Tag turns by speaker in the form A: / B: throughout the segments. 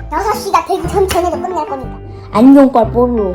A: 6시가 되기 전에도 끝낼 거니까.
B: 안경빨 뽀로.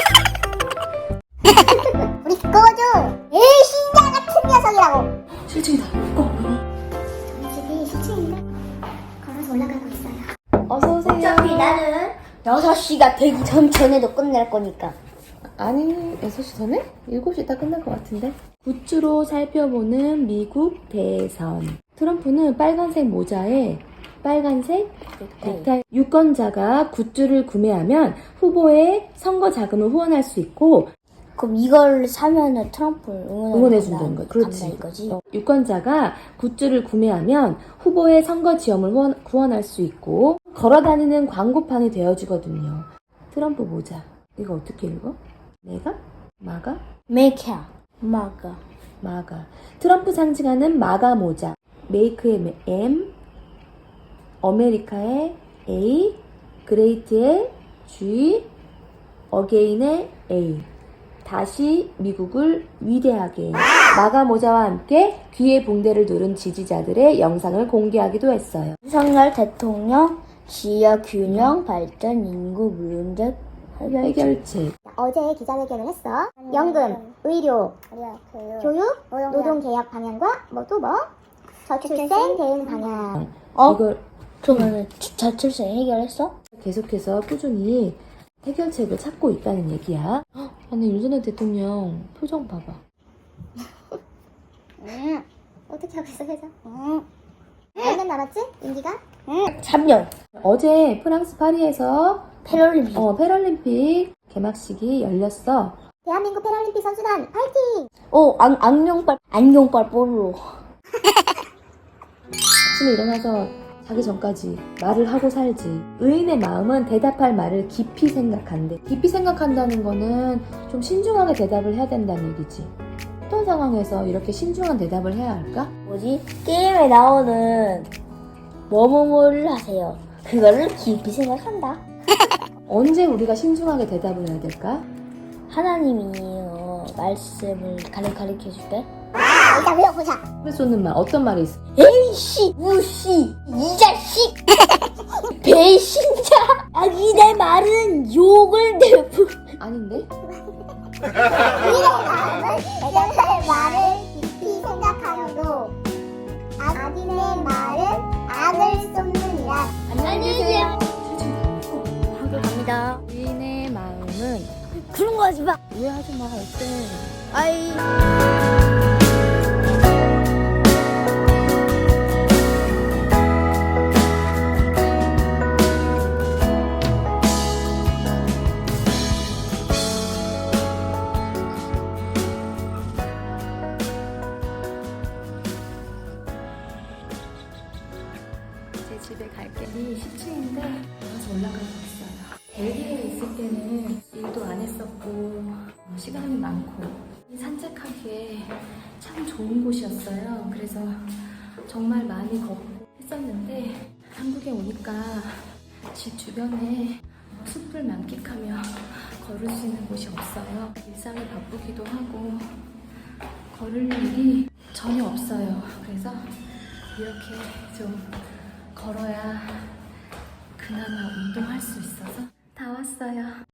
A: 우리 꺼줘. 에이, 신자 같은 녀석이라고.
B: 실증이다.
A: 우리 집이 10층인데 걸어서 올라가고 있어요.
B: 어서오세요.
A: 어차피 나는 6시가 되기 전에도 끝낼 거니까.
B: 아니, 6시 전에? 7시 다 끝날 것 같은데? 굿즈로 살펴보는 미국 대선. 트럼프는 빨간색 모자에 빨간색 넥타이. 유권자가 굿즈를 구매하면 후보의 선거 자금을 후원할 수 있고,
A: 그럼 이걸 사면은 트럼프를
B: 응원해준다는 거지. 그렇지.
A: 이거지.
B: 유권자가 굿즈를 구매하면 후보의 선거 지원을 후원할 수 있고, 걸어다니는 광고판이 되어주거든요. 트럼프 모자. 이거 어떻게 읽어? 내가? 마가?
A: 메이크야. 마가.
B: 마가. 트럼프 상징하는 마가 모자. 메이크의 M, 아메리카의 A, 그레이트의 G, 어게인의 A. 다시 미국을 위대하게. 마가 모자와 함께 귀에 붕대를 두른 지지자들의 영상을 공개하기도 했어요.
A: 윤석열 대통령 지역 균형 발전 인구 문제
B: 해결책.
A: 어제 기자회견을 했어. 연금, 의료, 교육, 노동개혁 방향과 저출생 대응 방향.
B: 이걸
A: 그러면 저출생 해결했어?
B: 계속해서 꾸준히 해결책을 찾고 있다는 얘기야. 아니, 윤석열 대통령 표정 봐봐.
A: 어떻게 하고 있어, 회사? 몇 년 남았지? 임기가?
B: 3년. 어제 프랑스 파리에서
A: 패럴림픽.
B: 패럴림픽 개막식이 열렸어.
A: 대한민국 패럴림픽 선수단 파이팅!
B: 안경빨 뽀로. 아침에 일어나서 자기 전까지 말을 하고 살지. 의인의 마음은 대답할 말을 깊이 생각한대. 깊이 생각한다는 거는 좀 신중하게 대답을 해야 된다는 얘기지. 어떤 상황에서 이렇게 신중한 대답을 해야 할까?
A: 게임에 나오는 뭐뭐뭐를 하세요. 그거를 깊이 생각한다.
B: 언제 우리가 신중하게 대답을 해야 될까?
A: 하나님이 말씀을 가르쳐 줄 때. 일단 외워보자.
B: 왜 쏟는 말, 어떤 말이 있어?
A: 에이씨, 우씨, 이 자식, 배신자. 아니 내 말은 욕을 내부.
B: 아닌데?
A: 애정사의 말을 깊이 생각하여도 악인의 말은 악을 쏟느니라. 안녕히 계세요. 갑니다.
B: 의인의 마음은
A: 그런 거 하지 마.
B: 왜 하지 마, 어때?
A: 아이.
B: 제 집에 갈 길이 10층인데 가서 올라가고 있어요. 벨기에에 있을 때는 일도 안 했었고 시간이 많고 산책하기에 참 좋은 곳이었어요. 그래서 정말 많이 걷고 했었는데 한국에 오니까 집 주변에 숲을 만끽하며 걸을 수 있는 곳이 없어요. 일상이 바쁘기도 하고 걸을 일이 전혀 없어요. 그래서 이렇게 좀 걸어야 그나마 운동할 수 있어서 다 왔어요.